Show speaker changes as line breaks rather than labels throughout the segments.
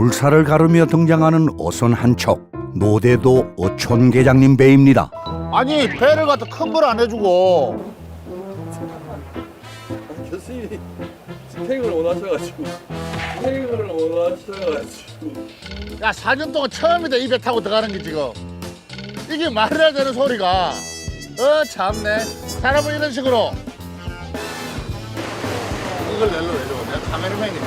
물살을 가르며 등장하는 어선 한 척. 노대도 어촌 계장님 배입니다.
아니 배를 갖다 큰 걸 안 해주고.
교수님이 스펙을 원하셔가지고
야 4년 동안 처음이다 이 배 타고 들어가는 게 지금. 이게 말해야 되는 소리가. 참네. 사람은 이런 식으로. 이걸 내려 내가 카메라맨이다.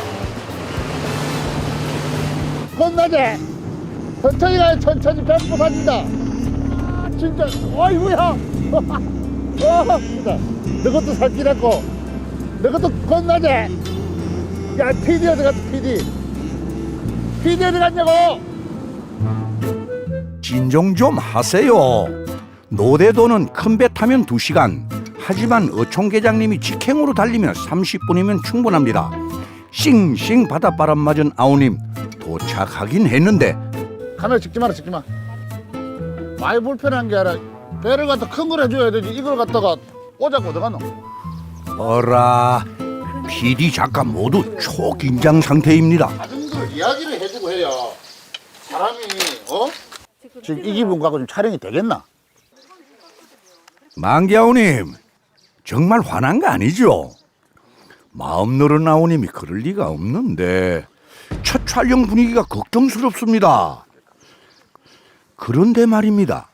건나제. 천천히 가요 천천히 배 부서진다. 진짜 어이구야. 진짜. 너 것도 살찌렸고 너 것도 건나제. 야 PD 어디 갔어 PD. PD 어디 갔냐고.
진정 좀 하세요. 노대도는 큰 배 타면 2시간. 하지만 어촌 계장님이 직행으로 달리면 30분이면 충분합니다. 싱싱 바닷바람 맞은 아우님 도착하긴 했는데
카메라 찍지 마라 찍지 마. 많이 불편한 게 아니라 배를 갖다 큰 걸 해줘야 되지. 이걸 갖다가 오자고 어디 갔노.
어라 PD 작가 모두 초긴장 상태입니다.
작은 걸 이야기를 해주고 해야 사람이 지금 이 기분 갖고 좀 촬영이 되겠나?
만기아우님 정말 화난 거 아니죠? 마음 너른 아우님이 그럴 리가 없는데 첫 촬영 분위기가 걱정스럽습니다. 그런데 말입니다.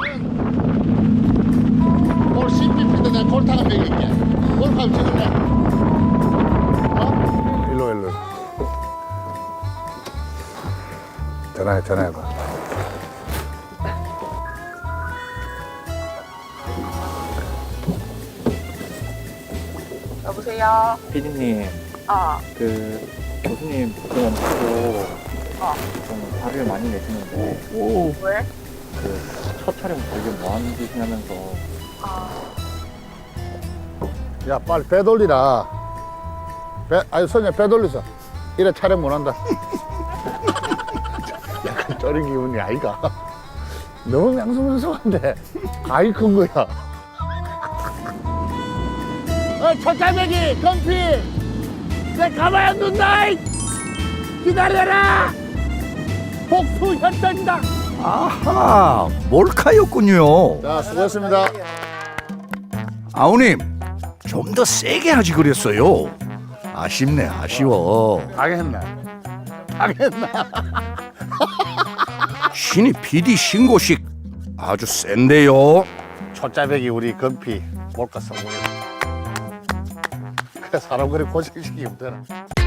올 CPP도 내가 골타가 먹일게. 골타가 찍을래?
일로 전화해봐.
여보세요?
피디님 그 교수님 그건 치고 좀 화를 많이 내시는데
왜?
그 첫 촬영 되게 뭐하는 짓이냐면서
야 빨리 배 돌리라. 아니 선녀 배 돌리서. 이래 촬영 못한다. 약간 쩌린 기분이 아이가. 너무 명성명성한데 가위 큰 거야. 첫갈매기 건피. 내 가만히 안 둔다. 기다려라. 복수 현장이다.
아하 몰카였군요.
자 수고했습니다.
아우님 좀 더 세게 하지 그랬어요. 아쉽네 아쉬워.
가겠나? 가겠나?
신이 PD 신고식 아주 센데요.
초짜배기 우리 건피 몰카 성공했다. 그래 사람 그리 고생시키면 되나?